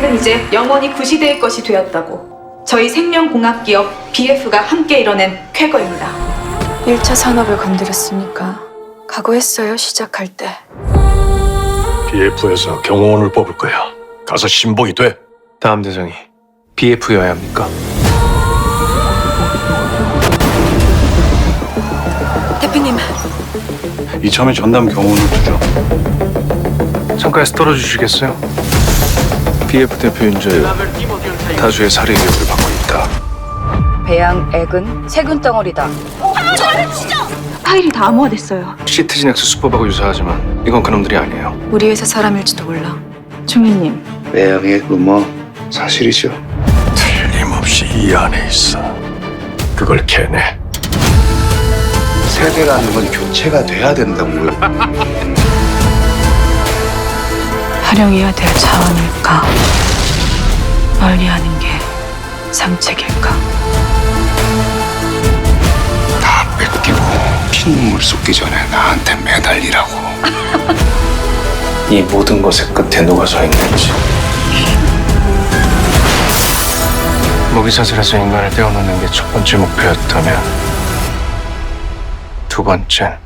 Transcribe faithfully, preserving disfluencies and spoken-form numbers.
비핵은 이제 영원히 구시대의 것이 되었다고. 저희 생명공학기업 비에프가 함께 이뤄낸 쾌거입니다. 일 차 산업을 건드렸으니까 각오했어요, 시작할 때. 비에프에서 경호원을 뽑을 거야. 가서 신봉이 돼. 다음 대상이 비에프여야 합니까? 대표님, 이참에 전담 경호원을 두죠. 창가에서 떨어주시겠어요? 비에프 대표 윤재유 다수의 살해 의혹을 받고 있다. 배양액은 세균 덩어리다. 파일이 다 암호화됐어요. 시트지넥스 수법하고 유사하지만 이건 그놈들이 아니에요. 우리 회사 사람일지도 몰라. 중위님, 외양의 루머 사실이죠. 틀림없이 이 안에 있어. 그걸 캐내. 세대라는 건 교체가 돼야 된다고요. 활용해야 될 자원일까? 멀리하는 게 상책일까? 다 뺏기고 피눈물 쏟기 전에 나한테 매달리라고. 이 모든 것의 끝에 누가 서 있는지. 모기사슬에서 인간을 떼어놓는 게 첫 번째 목표였다면 두 번째는